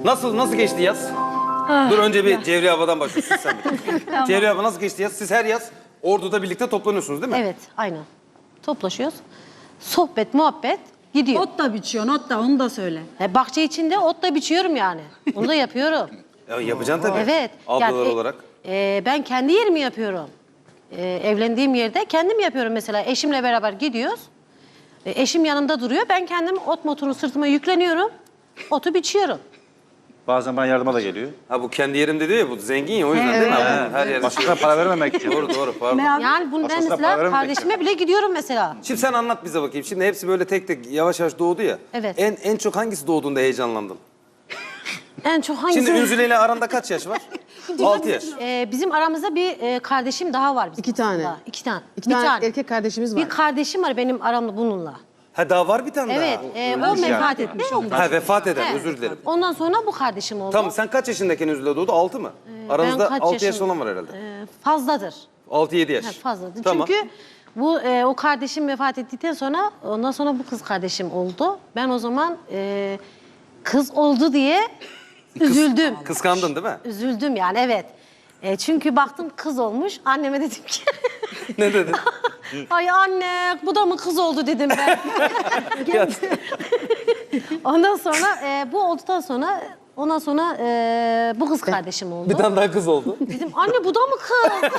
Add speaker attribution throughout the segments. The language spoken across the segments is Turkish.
Speaker 1: Nasıl geçti yaz? Dur önce bir Cevriye abadan başlıyorsun sen bir. Tamam. Cevriye abla nasıl geçti yaz? Siz her yaz Ordu'da birlikte toplanıyorsunuz değil mi?
Speaker 2: Evet, aynen. Toplaşıyoruz. Sohbet, muhabbet gidiyor.
Speaker 3: Ot da biçiyorsun, ot da onu da söyle.
Speaker 2: Bahçe içinde ot da biçiyorum yani. Onu da yapıyorum.
Speaker 1: Ya, yapacaksın tabii.
Speaker 2: Evet.
Speaker 1: Ablalar
Speaker 2: Yani,
Speaker 1: olarak.
Speaker 2: Ben kendi yerimi yapıyorum. Evlendiğim yerde kendim yapıyorum mesela. Eşimle beraber gidiyoruz. Eşim yanımda duruyor. Ben kendim ot motorunu sırtıma yükleniyorum. Otu biçiyorum.
Speaker 4: Bazen bana yardıma da geliyor.
Speaker 1: Ha bu kendi yerimde diyor ya, bu zengin ya o yüzden değil mi? Abi? Her yerde.
Speaker 4: Başkasına para vermemek için.
Speaker 1: Doğru pardon.
Speaker 2: Yani bunu ben
Speaker 4: Aslında para
Speaker 2: mesela
Speaker 4: vermemek
Speaker 2: kardeşime bile gidiyorum mesela.
Speaker 1: Şimdi sen anlat bize bakayım. Şimdi hepsi böyle tek tek yavaş yavaş doğdu ya.
Speaker 2: Evet.
Speaker 1: En çok hangisi doğduğunda heyecanlandın?
Speaker 2: En çok hangisi?
Speaker 1: Şimdi Ünzüle ile aranda kaç yaş var? 6 yaş.
Speaker 2: Bizim aramızda bir kardeşim daha var. Bizim
Speaker 5: 2 tane.
Speaker 2: aslında. 2 tane.
Speaker 5: İki tane erkek kardeşimiz var.
Speaker 2: Bir kardeşim var benim aramda bununla.
Speaker 1: Ha daha var bir tane
Speaker 2: Evet,
Speaker 1: daha.
Speaker 2: o vefat etmiş.
Speaker 1: Ha vefat eden,
Speaker 2: Evet.
Speaker 1: özür dilerim.
Speaker 2: Ondan sonra bu kardeşim oldu.
Speaker 1: Tamam sen kaç yaşındayken Ünzüle doğdu? 6 mı? Aranızda
Speaker 2: kaç
Speaker 1: 6 yaş
Speaker 2: yaşın-
Speaker 1: olan var herhalde.
Speaker 2: Fazladır.
Speaker 1: 6-7 yaş.
Speaker 2: Ha, fazladır.
Speaker 1: Tamam.
Speaker 2: Çünkü bu o kardeşim vefat ettikten sonra ondan sonra bu kız kardeşim oldu. Ben o zaman kız oldu diye üzüldüm.
Speaker 1: Kıskandın değil mi?
Speaker 2: Üzüldüm yani evet. Çünkü baktım kız olmuş. Anneme dedim ki
Speaker 1: Ne dedin?
Speaker 2: ay anne bu da mı kız oldu dedim ben. Ondan sonra bu olduktan sonra bu kız kardeşim oldu.
Speaker 1: Bir tane daha kız oldu.
Speaker 2: Dedim anne bu da mı kız?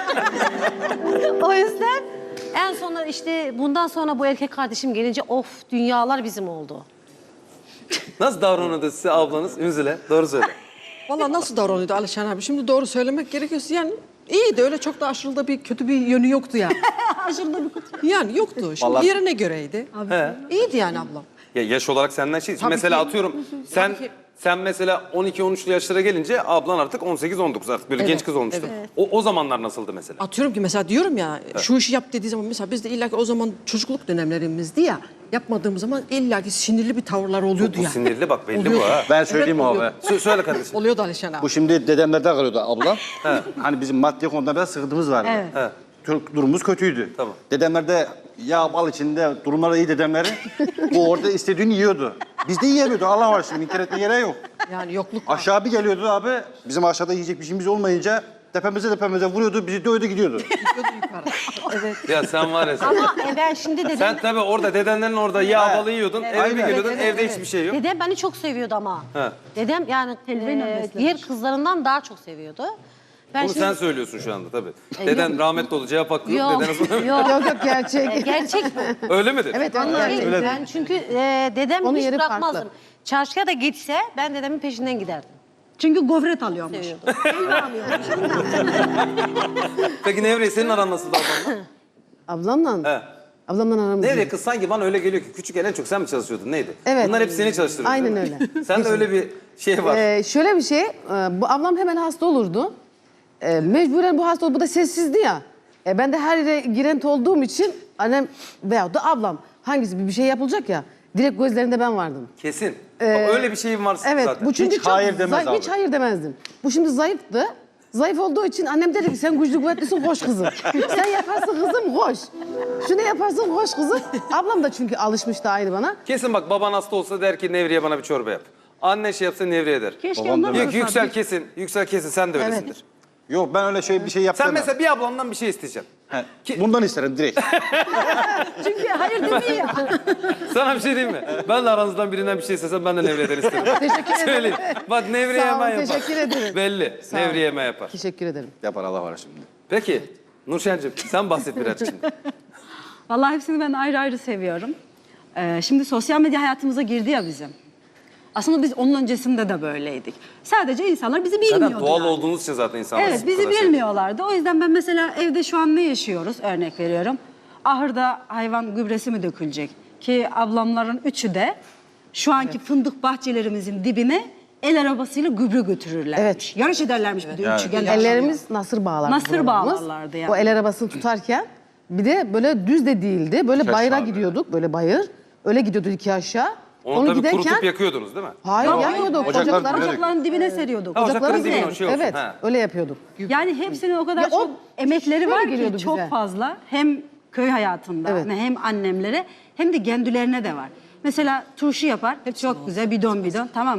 Speaker 2: O yüzden en sonunda işte bundan sonra bu erkek kardeşim gelince of dünyalar bizim oldu.
Speaker 1: Nasıl davranıyordu size ablanız Ünzüle? Doğru söyle.
Speaker 3: Vallahi nasıl davranıyordu Alişan abi? Şimdi doğru söylemek gerekiyorsa yani iyiydi. Öyle çok da aşırı da bir kötü bir yönü yoktu yani.
Speaker 2: Aşırı da bir kötü.
Speaker 3: Yani yoktu. Şimdi
Speaker 4: Vallahi-
Speaker 3: yerine göreydi.
Speaker 1: He.
Speaker 3: İyiydi yani ablam.
Speaker 1: Ya yaş olarak senden şey.
Speaker 3: Tabii
Speaker 1: Mesela
Speaker 3: ki.
Speaker 1: atıyorum sen mesela 12-13'lü yaşlara gelince ablan artık 18-19 artık böyle
Speaker 3: Evet,
Speaker 1: genç kız olmuştu.
Speaker 3: evet.
Speaker 1: O zamanlar nasıldı mesela?
Speaker 3: Atıyorum ki mesela diyorum ya şu işi yap dediği zaman mesela biz de illa ki o zaman çocukluk dönemlerimizdi ya. Yapmadığımız zaman illa ki sinirli bir tavırlar oluyordu
Speaker 1: Bu
Speaker 3: yani.
Speaker 1: sinirli bak belli
Speaker 3: Oluyor.
Speaker 1: bu ha.
Speaker 4: Ben söyleyeyim
Speaker 3: Evet,
Speaker 4: abi.
Speaker 3: oluyor.
Speaker 1: Söyle kardeşim.
Speaker 3: Oluyordu Alişan abi.
Speaker 4: Bu şimdi dedemlerde kalıyordu ablam. Hani bizim maddi konuda biraz sıkıntımız vardı.
Speaker 1: He.
Speaker 4: Durumumuz kötüydü.
Speaker 1: Tamam.
Speaker 4: Dedemlerde yağ bal içinde durumları iyi dedemleri. Bu orada istediğini yiyordu. Biz de yiyemiyordu. Allah var şimdi inkar etme gereği yok.
Speaker 3: Yani yokluk var.
Speaker 4: Aşağı bir geliyordu abi. Bizim aşağıda yiyecek bir şeyimiz olmayınca tepemize vuruyordu. Bizi dövdü gidiyordu.
Speaker 1: Ya sen var ya sen.
Speaker 2: Ama ben şimdi dedem,
Speaker 1: Sen tabii orada dedenlerin orada yağ balı yiyordun. Eve bir
Speaker 4: Aynen.
Speaker 1: geliyordun
Speaker 2: Evet,
Speaker 1: evde
Speaker 2: evet.
Speaker 1: hiçbir şey yok.
Speaker 2: dedem beni çok seviyordu ama.
Speaker 1: He.
Speaker 2: Dedem yani diğer kızlarından daha çok seviyordu. Ben
Speaker 1: Bunu sen söylüyorsun şu anda tabii.
Speaker 2: E,
Speaker 1: Deden rahmetli oldu cevap hakkı yok.
Speaker 2: Yok,
Speaker 1: Dedene sonra...
Speaker 2: yok.
Speaker 5: Yok gerçek.
Speaker 2: Gerçek bu.
Speaker 1: Öyle midir?
Speaker 5: Evet
Speaker 2: Vallahi
Speaker 5: öyle.
Speaker 2: ben çünkü dedem
Speaker 5: Onun
Speaker 2: hiç
Speaker 5: yeri
Speaker 2: bırakmazdım.
Speaker 5: farklı.
Speaker 2: Çarşıya da gitse ben dedemin peşinden giderdim.
Speaker 3: Çünkü gofret alıyormuş.
Speaker 2: Seviyordum.
Speaker 1: Peki Nevriye senin aran nasıldı ablanla?
Speaker 5: Ablamla.
Speaker 1: He.
Speaker 5: Ablamla aramız.
Speaker 1: Nevriye kız sanki bana öyle geliyor ki küçükken en çok sen mi çalışıyordun neydi?
Speaker 5: Evet.
Speaker 1: Bunlar hep seni çalıştırıyordu.
Speaker 5: Aynen
Speaker 1: değil mi?
Speaker 5: öyle.
Speaker 1: Sen de öyle bir şey var.
Speaker 5: Şöyle bir şey, bu ablam hemen hasta olurdu. Mecburen bu hasta oldu, bu da sessizdi ya. Ben de her yere girent olduğum için annem veyahut da ablam hangisi bir şey yapılacak ya, direkt gözlerinde ben vardım.
Speaker 1: Kesin. Bak, öyle bir şeyim var
Speaker 5: Evet,
Speaker 1: zaten.
Speaker 5: bu çünkü
Speaker 4: Hiç hayır demez abi.
Speaker 5: hiç hayır demezdim. Bu şimdi zayıftı. Zayıf olduğu için annem dedi ki sen güçlü kuvvetlisin koş kızım. Sen yaparsın kızım koş. Şunu yaparsın koş kızım. Ablam da çünkü alışmıştı aynı bana.
Speaker 1: Kesin bak baban hasta olsa der ki Nevriye bana bir çorba yap. Annen şey yapsa Nevriye der.
Speaker 3: Keşke
Speaker 4: Babam
Speaker 3: onlar
Speaker 4: demez.
Speaker 1: Yüksel kesin sen de öylesindir.
Speaker 4: Yok ben öyle bir şey yaptım.
Speaker 1: Sen mesela bir ablandan bir şey isteyeceksin.
Speaker 4: Bundan isterim direkt.
Speaker 3: Çünkü hayır demiyor.
Speaker 1: Sana bir şey diyeyim mi? Ben de aranızdan birinden bir şey istesem ben de Nevriye'den isterim.
Speaker 5: Teşekkür ederim.
Speaker 1: Söyleyeyim. Bak Nevriye
Speaker 5: Sağ ol,
Speaker 1: hemen yapar.
Speaker 5: teşekkür ederim.
Speaker 1: Belli.
Speaker 5: ol.
Speaker 1: Nevriye hemen yapar.
Speaker 5: Teşekkür ederim.
Speaker 4: Yapar Allah var şimdi.
Speaker 1: Peki Nurşen'cim sen bahset birazcık şimdi.
Speaker 6: Vallahi hepsini ben ayrı ayrı seviyorum. Şimdi sosyal medya hayatımıza girdi ya bizim. Aslında biz onun öncesinde de böyleydik. Sadece insanlar bizi bilmiyordu.
Speaker 1: Zaten doğal
Speaker 6: yani.
Speaker 1: olduğunuz için zaten insanlar.
Speaker 6: Evet,
Speaker 1: sizi bu
Speaker 6: bizi
Speaker 1: kadar seviyor.
Speaker 6: bilmiyorlardı. O yüzden ben mesela evde şu an ne yaşıyoruz? Örnek veriyorum. Ahırda hayvan gübresi mi dökülecek? Ki ablamların üçü de şu anki fındık bahçelerimizin dibine el arabasıyla gübre götürürler.
Speaker 5: Evet.
Speaker 6: Yarış ederlermiş bir de üçü gel.
Speaker 5: Ellerimiz nasır bağlardı.
Speaker 6: Nasır
Speaker 5: babamız.
Speaker 6: bağlarlardı yani.
Speaker 5: O el arabasını tutarken bir de böyle düz de değildi. Böyle bayıra
Speaker 4: aşağı
Speaker 5: gidiyorduk. Böyle bayır. Öyle gidiyorduk iki aşağı.
Speaker 1: Onu tabii kurutup yakıyorduk değil mi?
Speaker 5: Hayır yakmıyorduk.
Speaker 4: Ocaklar
Speaker 5: Ocaklara
Speaker 4: dibine
Speaker 6: Ocakların dibine seriyorduk.
Speaker 1: Ha, ocakların dibine
Speaker 5: seriyorduk.
Speaker 1: o şey olsun.
Speaker 5: Evet
Speaker 1: Ha.
Speaker 5: öyle yapıyorduk.
Speaker 6: Yani hepsinin o kadar
Speaker 5: Ya o
Speaker 6: çok emekleri
Speaker 5: şöyle
Speaker 6: var
Speaker 5: geliyordu
Speaker 6: ki çok
Speaker 5: bize.
Speaker 6: fazla. Hem köy hayatında
Speaker 5: Evet.
Speaker 6: hem annemlere hem de kendilerine de var. Mesela turşu yapar. Çok güzel bidon tamam mı?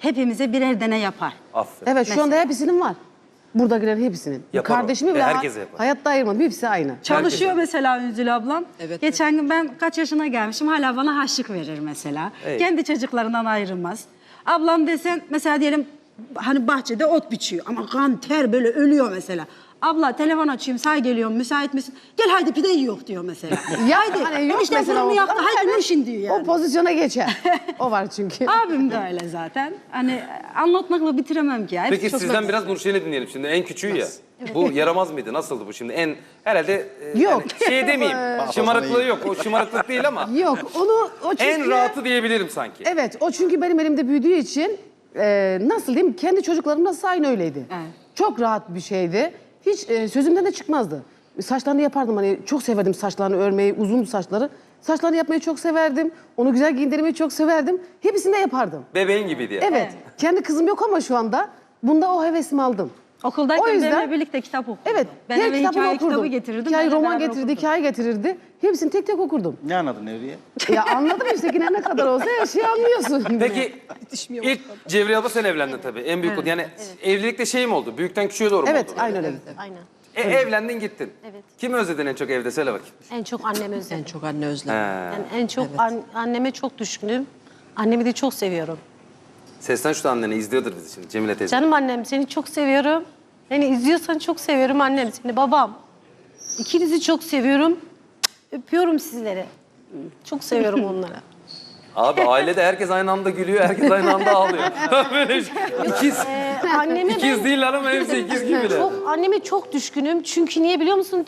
Speaker 6: hepimize birer tane yapar.
Speaker 1: Aferin.
Speaker 5: Evet şu anda hepsinin var. Burada giren hepsinin.
Speaker 1: Yapar o.
Speaker 5: Kardeşimi bile
Speaker 1: Herkese yapar.
Speaker 5: hayatta ayırmadım. Hepsi aynı.
Speaker 6: Çalışıyor mesela Ünzül ablam.
Speaker 3: Evet,
Speaker 6: Geçen gün ben kaç yaşına gelmişim hala bana harçlık verir mesela.
Speaker 1: Evet.
Speaker 6: Kendi çocuklarından ayrılmaz. Ablam desen mesela diyelim hani bahçede ot biçiyor ama kan ter böyle ölüyor mesela. Abla telefon açayım say geliyorum müsait misin? Gel haydi pide yiyor diyor mesela.
Speaker 5: Ya
Speaker 6: haydi
Speaker 5: hani yok
Speaker 6: işte
Speaker 5: mesela
Speaker 6: fırını
Speaker 5: o-
Speaker 6: yaktı
Speaker 5: ama
Speaker 6: haydi
Speaker 5: evet,
Speaker 6: Nurşin diyor yani.
Speaker 5: O pozisyona geçer. O var çünkü.
Speaker 6: Abim de öyle zaten. Hani anlatmakla bitiremem ki ya. Hepsi
Speaker 1: Peki
Speaker 6: çok
Speaker 1: sizden
Speaker 6: basit.
Speaker 1: biraz Nurşen'i dinleyelim şimdi. En küçüğü ya. Bu yaramaz mıydı? Nasıldı bu şimdi? En herhalde
Speaker 5: Yok.
Speaker 1: şey demeyeyim. Şımarıklığı yok. O şımarıklık değil ama
Speaker 5: Yok onu o çünkü...
Speaker 1: en rahatı diyebilirim sanki.
Speaker 5: Evet o çünkü benim elimde büyüdüğü için nasıl diyeyim kendi çocuklarım nasıl aynı öyleydi.
Speaker 6: Evet.
Speaker 5: Çok rahat bir şeydi. Hiç sözümden de çıkmazdı. Saçlarını yapardım hani çok severdim saçlarını örmeyi, uzun saçları. Saçlarını yapmayı çok severdim. Onu güzel giyindirmeyi çok severdim. Hepsini de yapardım.
Speaker 1: Bebeğin gibiydi ya.
Speaker 5: Evet. Kendi kızım yok ama şu anda bunda o hevesimi aldım.
Speaker 6: Okuldayken
Speaker 5: O yüzden-
Speaker 6: benimle birlikte kitap okurdum.
Speaker 5: Evet.
Speaker 6: Ben
Speaker 5: her
Speaker 6: eve
Speaker 5: kitabını
Speaker 6: hikaye
Speaker 5: okurdum.
Speaker 6: kitabı getirirdim.
Speaker 5: Hikaye
Speaker 6: benimle
Speaker 5: roman
Speaker 6: beraber
Speaker 5: getirirdi,
Speaker 6: okurdum.
Speaker 5: hikaye getirirdi. Hepsini tek tek okurdum.
Speaker 4: Ne anladın Nevriye?
Speaker 5: Ya anladım işte yine ne kadar olsa her şeyi anlıyorsun.
Speaker 1: Peki ilk Cevriye abla sen evlendin tabii. En büyük yani evlilikte şey mi oldu? Büyükten küçüğe doğru mu
Speaker 5: Evet
Speaker 1: oldu?
Speaker 5: aynen öyle.
Speaker 2: Aynen.
Speaker 1: Evlendin gittin.
Speaker 2: Evet.
Speaker 1: Kimi özledin en çok evde? Söyle bakayım.
Speaker 2: En çok annemi özledim.
Speaker 3: En çok anne özlemi.
Speaker 2: Yani en çok anneme çok düşkünüm. Annemi de çok seviyorum.
Speaker 1: Seslen şu da annene izliyordur bizi şimdi Cemile teyze.
Speaker 2: Canım annem seni çok seviyorum. Beni izliyorsan çok seviyorum annem seni babam. İkinizi çok seviyorum. Öpüyorum sizleri. Çok seviyorum onları.
Speaker 1: Abi ailede herkes aynı anda gülüyor, herkes aynı anda ağlıyor. Böyle şey. İkiz.
Speaker 2: Anneme
Speaker 1: İkiz değiller ama hepsi ikiz gibiler.
Speaker 2: Anneme çok düşkünüm. Çünkü niye biliyor musun?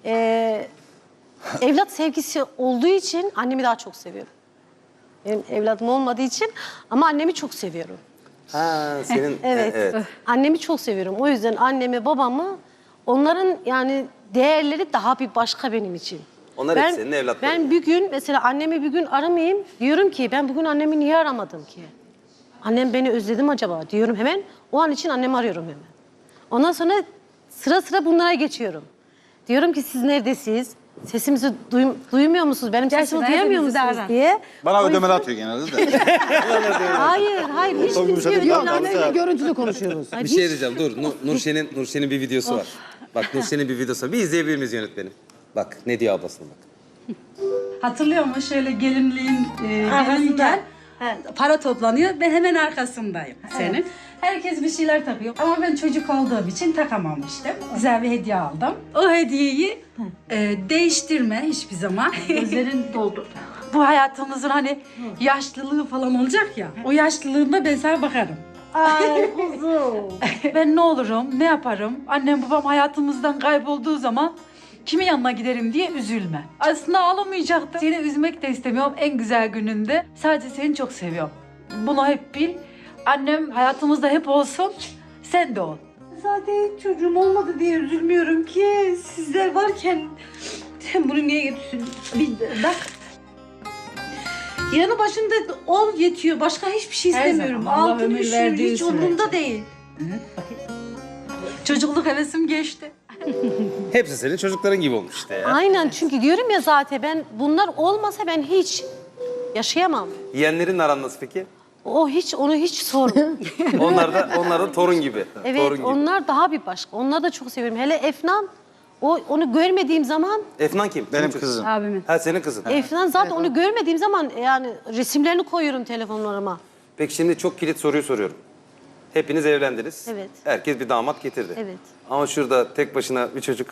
Speaker 2: Evlat sevgisi olduğu için annemi daha çok seviyorum. Benim evladım olmadığı için ama annemi çok seviyorum.
Speaker 1: Ha senin
Speaker 2: Evet. Annemi çok seviyorum. O yüzden annemi, babamı, onların yani değerleri daha bir başka benim için.
Speaker 1: Onlar hep senin evlatların.
Speaker 2: Ben bir gün mesela annemi bir gün aramayayım. Diyorum ki ben bugün annemi niye aramadım ki? Annem beni özledi mi acaba diyorum hemen. O an için annemi arıyorum hemen. Ondan sonra sıra sıra bunlara geçiyorum. Diyorum ki siz neredesiniz? Sesimizi duymuyor musunuz? Benim sesimi
Speaker 6: Gerçekten
Speaker 2: duyamıyor
Speaker 6: hepimizi de
Speaker 2: musunuz
Speaker 6: ara.
Speaker 2: diye.
Speaker 4: Bana
Speaker 2: O
Speaker 4: ödemeler
Speaker 2: yüzden-
Speaker 4: atıyor genelde de.
Speaker 2: Hayır hiç
Speaker 4: Son
Speaker 2: kimse
Speaker 4: gümüşe
Speaker 5: Yok
Speaker 4: de
Speaker 5: annemle görüntülü konuşuyoruz.
Speaker 1: Bir şey diyeceğim dur. Nurşen'in bir videosu var. Bak Nurşen'in bir videosu var. Bir izleyebilir miyiz yönetmenim? Bak ne diyor ablasına bak.
Speaker 6: Hatırlıyor musun? Şöyle gelinliğin para toplanıyor. Ben hemen arkasındayım senin. Herkes bir şeyler takıyor. Ama ben çocuk olduğum için takamamıştım. Güzel bir hediye aldım. O hediyeyi değiştirme hiçbir zaman. Gözlerin doldu. Bu hayatımızın hani yaşlılığı falan olacak ya. O yaşlılığında ben sana bakarım.
Speaker 2: Ay kuzum.
Speaker 6: Ben ne olurum, ne yaparım? Annem babam hayatımızdan kaybolduğu zaman kimin yanına giderim diye üzülme. Aslında ağlamayacaktım. Seni üzmek de istemiyorum en güzel gününde. Sadece seni çok seviyorum. Bunu hep bil. Annem hayatımızda hep olsun, sen de ol.
Speaker 7: Zaten çocuğum olmadı diye üzülmüyorum ki. Sizler varken sen bunu niye yapıyorsun? Bir bak. Yanı başında ol yetiyor. Başka hiçbir şey
Speaker 6: Her
Speaker 7: istemiyorum.
Speaker 6: zaman Allah
Speaker 7: Altını
Speaker 6: ömür
Speaker 7: üşür,
Speaker 6: verdiği
Speaker 7: hiç
Speaker 6: sürece.
Speaker 7: umurumda değil.
Speaker 6: Çocukluk hevesim geçti.
Speaker 1: Hepsi senin çocukların gibi olmuş işte ya.
Speaker 2: Aynen çünkü diyorum ya zaten ben bunlar olmasa ben hiç yaşayamam.
Speaker 1: Yeğenlerin aran nasıl peki?
Speaker 2: Onu hiç sorma.
Speaker 1: Onlar da torun gibi.
Speaker 2: Evet
Speaker 1: Torun gibi.
Speaker 2: onlar daha bir başka. Onları da çok seviyorum. Hele Efnan onu görmediğim zaman
Speaker 1: Efnan kim?
Speaker 4: Benim
Speaker 1: Kim
Speaker 4: kızım.
Speaker 6: Abimin.
Speaker 1: Ha senin kızın.
Speaker 2: Efnan zaten onu görmediğim zaman yani resimlerini koyuyorum telefonlarıma.
Speaker 1: Peki şimdi çok kilit soruyu soruyorum. Hepiniz evlendiniz.
Speaker 2: Evet.
Speaker 1: Herkes bir damat getirdi.
Speaker 2: Evet.
Speaker 1: Ama şurada tek başına bir çocuk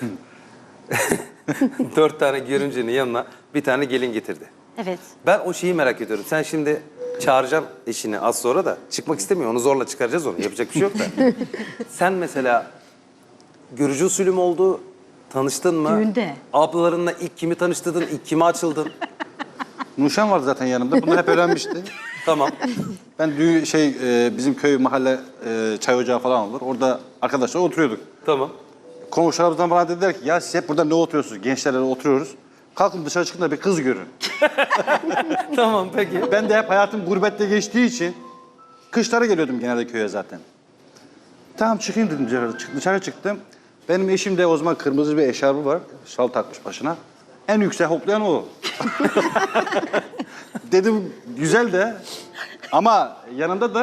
Speaker 1: 4 tane görümcenin yanına bir tane gelin getirdi.
Speaker 2: Evet.
Speaker 1: Ben o şeyi merak ediyorum. Sen şimdi çağıracağım eşini az sonra da çıkmak istemiyor. Onu zorla çıkaracağız onu. Yapacak bir şey yok da. Sen mesela görücü usulü mü oldu? Tanıştın mı?
Speaker 6: Düğünde.
Speaker 1: Ablalarınla ilk kimi tanıştırdın? İlk kime açıldın?
Speaker 4: Nurşen vardı zaten yanımda. Bunu hep öğrenmişti.
Speaker 1: Tamam.
Speaker 4: Ben bizim köy mahalle çay ocağı falan olur. Orada arkadaşlar oturuyorduk.
Speaker 1: Tamam.
Speaker 4: Komşularımızdan bana dediler ki ya siz hep burada ne oturuyorsunuz? Gençlerle oturuyoruz. Kalkın dışarı çıkın da bir kız görün.
Speaker 1: Tamam peki.
Speaker 4: Ben de hep hayatım gurbette geçtiği için kışlara geliyordum genelde köye zaten. Tamam çıkayım dedim dışarı çıktım. Benim eşim de o zaman kırmızı bir eşarbı var. Şal takmış başına. En yüksek hoplayan o. Dedim güzel de ama yanında da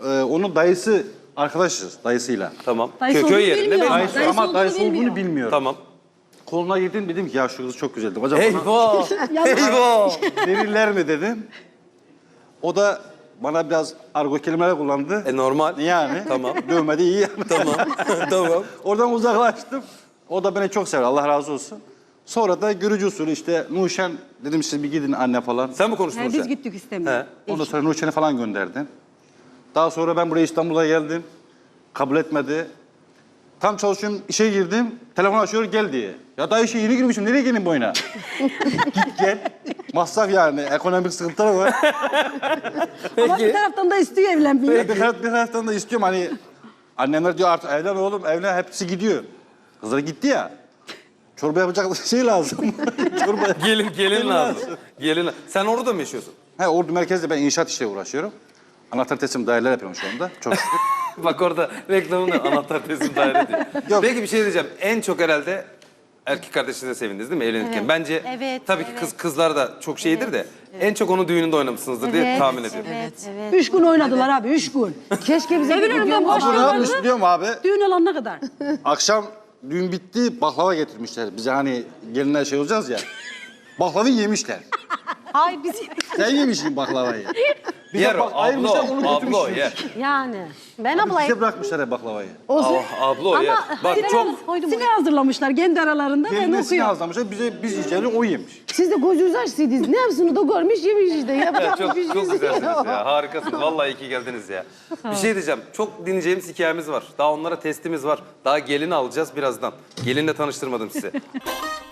Speaker 4: onun dayısı arkadaşız dayısıyla.
Speaker 1: Tamam.
Speaker 6: Dayısı
Speaker 1: Köy
Speaker 6: olduğunu
Speaker 1: yerinde
Speaker 6: bilmiyor
Speaker 1: belli.
Speaker 6: ama. Dayısı
Speaker 4: Ama
Speaker 6: olduğunu
Speaker 4: dayısı olduğunu
Speaker 6: bilmiyor.
Speaker 4: bilmiyorum.
Speaker 1: Tamam.
Speaker 4: Koluna girdim dedim ki ya şu kız çok güzeldi. Acaba
Speaker 1: Eyvah! Eyvah!
Speaker 4: verirler mi dedim. O da bana biraz argo kelimeler kullandı.
Speaker 1: Normal.
Speaker 4: Yani.
Speaker 1: Tamam.
Speaker 4: Dövmedi iyi yani.
Speaker 1: Tamam. Tamam.
Speaker 4: Oradan uzaklaştım. O da beni çok sever. Allah razı olsun. Sonra da görücü usulü işte Nuşen dedim siz bir gidin anne falan.
Speaker 1: Sen mi konuştun
Speaker 6: Biz
Speaker 1: Nurşen?
Speaker 6: gittik istemiyor.
Speaker 4: Ondan sonra Nuşen'i falan gönderdim. Daha sonra ben buraya İstanbul'a geldim. Kabul etmedi. Tam çalışıyorum, işe girdim. Telefon açıyor gel diye. Ya daha işe yeni girmişim. Nereye gelin boyuna? Git gel. Masraf yani. Ekonomik sıkıntılar var.
Speaker 6: Ama bir taraftan da istiyor evlenmeyi.
Speaker 4: Bir taraftan da istiyorum hani annemler diyor artık evlen oğlum evlen hepsi gidiyor. Kızlar gitti ya. Çorba yapacak şey lazım. Çorba.
Speaker 1: Gelin lazım. Gelin. Sen orada mı yaşıyorsun?
Speaker 4: He Ordu merkezde ben inşaat işle uğraşıyorum. Anahtar teslim daireler yapıyorum şu anda. Çok şükür.
Speaker 1: Bak orada reklamını anahtar teslim daire diyor.
Speaker 4: Yok.
Speaker 1: Peki bir şey diyeceğim. En çok herhalde erkek kardeşinize sevindiniz değil mi evlenirken?
Speaker 2: Evet.
Speaker 1: Bence
Speaker 2: Evet,
Speaker 1: tabii ki
Speaker 2: evet.
Speaker 1: kızlar da çok şeydir de en çok onun düğününde oynamışsınızdır diye tahmin ediyorum.
Speaker 2: Evet.
Speaker 6: 3 gün oynadılar abi 3 gün.
Speaker 5: Keşke bize
Speaker 6: Evin
Speaker 5: bir
Speaker 6: önünden
Speaker 5: gün-
Speaker 4: Ama ne
Speaker 6: başlıyorlardı.
Speaker 4: yapmış biliyor musun abi?
Speaker 6: Düğün olana kadar.
Speaker 4: Akşam düğün bitti baklava getirmişler. Bize hani gelinler şey olacağız ya. Baklavayı yemişler.
Speaker 2: Ay biz
Speaker 4: Sen yemişsin baklavayı. Bize
Speaker 1: Yer o,
Speaker 4: bak, ayırmışlar, onu
Speaker 1: ablo
Speaker 4: götürmüşsün.
Speaker 1: yer.
Speaker 2: yani. Ben
Speaker 4: Bize
Speaker 2: ablayım.
Speaker 4: bırakmışlar hep baklavayı.
Speaker 1: Ablo yer. Bak çok
Speaker 2: koydum.
Speaker 6: Sine hazırlamışlar kendi aralarında ben
Speaker 4: Kendisini
Speaker 6: okuyorum.
Speaker 4: hazırlamışlar. Biz yiyeceğini o yemiş.
Speaker 5: Siz de gözünüzü açsaydınız. Ne yapsın o da görmüş yemiş işte. Yapacak
Speaker 1: çok,
Speaker 5: bir şey
Speaker 1: çok
Speaker 5: yok.
Speaker 1: güzelsiniz ya. Harikasınız. Vallahi iyi ki geldiniz ya. Bir şey diyeceğim. Çok dinleyeceğimiz hikayemiz var. Daha onlara testimiz var. Daha gelini alacağız birazdan. Gelinle tanıştırmadım sizi.